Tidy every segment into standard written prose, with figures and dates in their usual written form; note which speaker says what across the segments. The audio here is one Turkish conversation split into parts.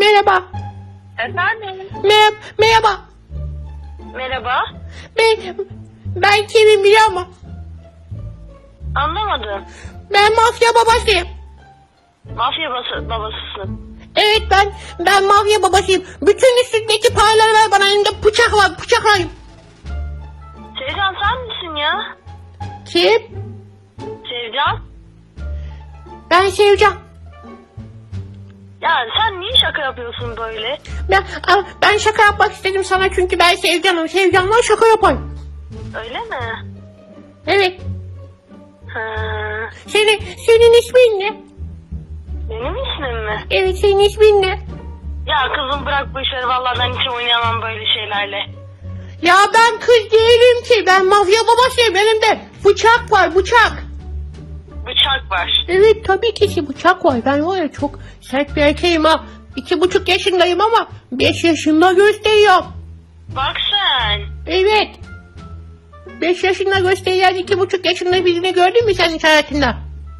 Speaker 1: Merhaba.
Speaker 2: Efendim?
Speaker 1: Merhaba.
Speaker 2: Merhaba.
Speaker 1: Ben kimim biliyor musun?
Speaker 2: Anlamadım.
Speaker 1: Ben mafya babasıyım.
Speaker 2: Mafya babasısın.
Speaker 1: Evet ben mafya babasıyım. Bütün üstündeki paraları ver bana, elimde bıçak var, bıçaklayayım.
Speaker 2: Sevcan sen misin ya?
Speaker 1: Kim?
Speaker 2: Sevcan?
Speaker 1: Ben Sevcan.
Speaker 2: Ya sen niye şaka yapıyorsun böyle?
Speaker 1: Ben şaka yapmak istedim sana çünkü ben Sevcan'ım. Sevcan'la şaka yapayım.
Speaker 2: Öyle mi?
Speaker 1: Evet.
Speaker 2: Ha,
Speaker 1: Senin ismin ne?
Speaker 2: benim ismim mi?
Speaker 1: Evet, senin ismin ne?
Speaker 2: Ya kızım bırak bu işleri, vallahi ben hiç oynayamam böyle şeylerle.
Speaker 1: Ya ben kız değilim ki. Ben mafya babasıyım. Elimde bıçak var, bıçak.
Speaker 2: Bıçak var.
Speaker 1: Evet, tabii ki bıçak var. Ben var ya çok sert bir erkeğim ha. 2,5 yaşındayım ama 5 yaşında gösteriyorum.
Speaker 2: Bak sen.
Speaker 1: Evet. 5 yaşında gösteriyen 2,5 yaşında birini gördün mü sen hiç hayatında?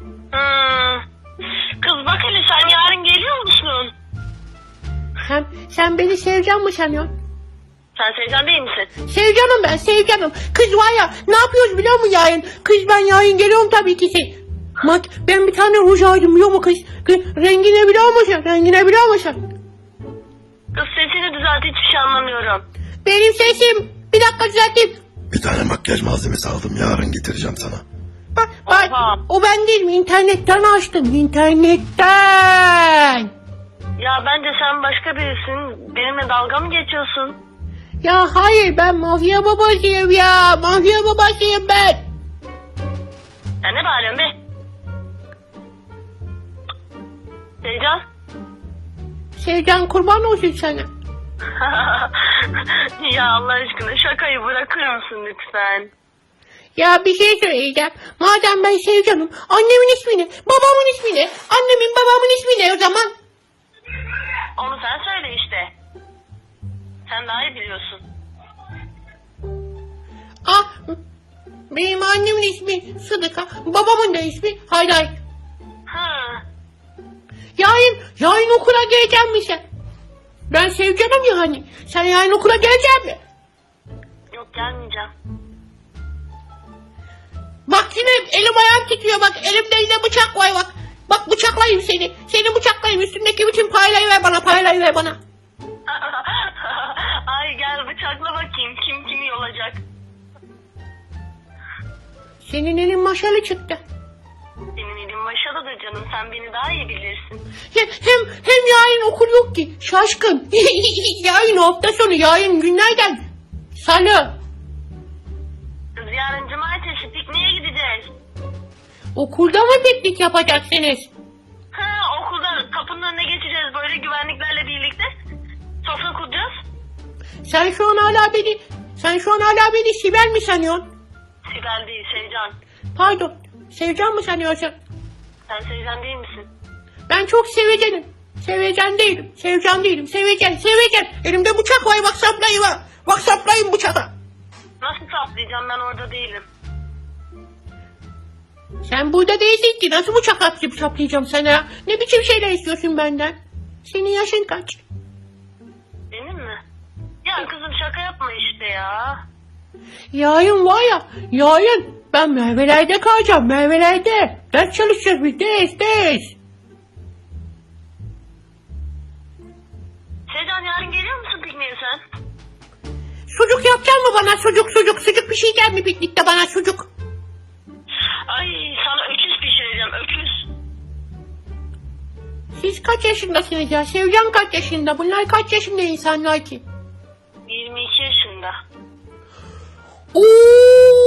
Speaker 2: Kız bak hele, sen yarın geliyor musun?
Speaker 1: Sen beni Sevcan mı sanıyorsun?
Speaker 2: Sen Sevcan değil misin?
Speaker 1: Sevcanım ben, Sevcanım. Kız var ya, ne yapıyoruz biliyor musun yarın? Kız ben yarın geliyorum tabii ki. Ben bir tane ruj aldım biliyor musun kız? Rengini biliyor musun? Rengini biliyor musun?
Speaker 2: Kız sesini düzelt, hiçbir şey anlamıyorum.
Speaker 1: Benim sesim. Bir dakika düzelteyim.
Speaker 3: Bir tane makyaj malzemesi aldım, yarın getireceğim sana.
Speaker 1: Bak,
Speaker 2: Oha.
Speaker 1: o ben değilim. İnternetten açtım. İnternetten.
Speaker 2: Ya bence sen başka birisin. Benimle dalga mı geçiyorsun?
Speaker 1: Ya hayır, ben mafya babasıyım ya. Mafya babasıyım ben.
Speaker 2: Ya ne bağırıyorsun be? Sevcan?
Speaker 1: Sevcan kurban olsun sana.
Speaker 2: Ya Allah aşkına şakayı bırakır mısın lütfen?
Speaker 1: Ya bir şey söyleyeceğim. Madem ben Sevcan'ım, annemin ismi ne? Babamın ismi ne? Annemin babamın ismi ne o zaman?
Speaker 2: Onu sen söyle işte. Sen daha iyi biliyorsun.
Speaker 1: Benim annemin ismi Sıdıka, babamın da ismi Hayday.
Speaker 2: Ha.
Speaker 1: Yarın okula geleceğim mi sen? Ben Sevcan'ım ya hani. Sen yarın okula geleceksin mi?
Speaker 2: Yok, gelmeyeceğim.
Speaker 1: Bak yine elim ayağım titriyor bak. Elimde yine bıçak var bak. Bak bıçaklayayım seni. Seni bıçaklayayım. Üstündeki bütün parayı ver bana. Parayı ver bana.
Speaker 2: Ay gel bıçakla bakayım kim kimi yolacak.
Speaker 1: Senin elin maşalı çıktı.
Speaker 2: Senin elin maşalıdır canım, sen beni daha iyi bilirsin.
Speaker 1: Hem yarın okul yok ki. Şaşkın. Yarın hafta sonu. Yarın günlerden. Salı.
Speaker 2: Kız yarın cumartesi pikniğe gideceğiz.
Speaker 1: Okulda mı piknik yapacaksınız?
Speaker 2: Ha, okulda kapının önüne geçeceğiz böyle güvenliklerle birlikte. Sofra kuracağız.
Speaker 1: Sen şu an hala beni Sibel mi sanıyorsun?
Speaker 2: Sibel değil, Sevcan.
Speaker 1: Pardon. Sevcan mı sanıyorsun?
Speaker 2: Sen Sevcan değil misin?
Speaker 1: Ben çok sevecenim. Sevecen değilim. Sevcan değilim. Sevecen. Elimde bıçak var. Bak saplayayım ha. Bak saplayayım bıçağı.
Speaker 2: Nasıl saplayacağım, ben orada değilim.
Speaker 1: Sen burada değilsin ki. Nasıl bıçak atıp saplayacağım sana? Ne biçim şeyler istiyorsun benden? Senin yaşın kaç?
Speaker 2: Benim mi? Ya kızım şaka yapma işte ya.
Speaker 1: Yarın var ya. Yarın ben Merve'lerde kalacağım. Merve'lerde. Ders çalışacağız biz. Ders.
Speaker 2: Sevcan yarın geliyor musun pikniğe sen?
Speaker 1: Sucuk yapacak mı bana? Sucuk pişirecek mi piknikte bana sucuk?
Speaker 2: Ay sana öküz pişireceğim, öküz.
Speaker 1: Siz kaç yaşındasınız ya? Sevcan kaç yaşında? Bunlar kaç yaşında insanlar ki?
Speaker 2: 22 yaşında.
Speaker 1: Oo!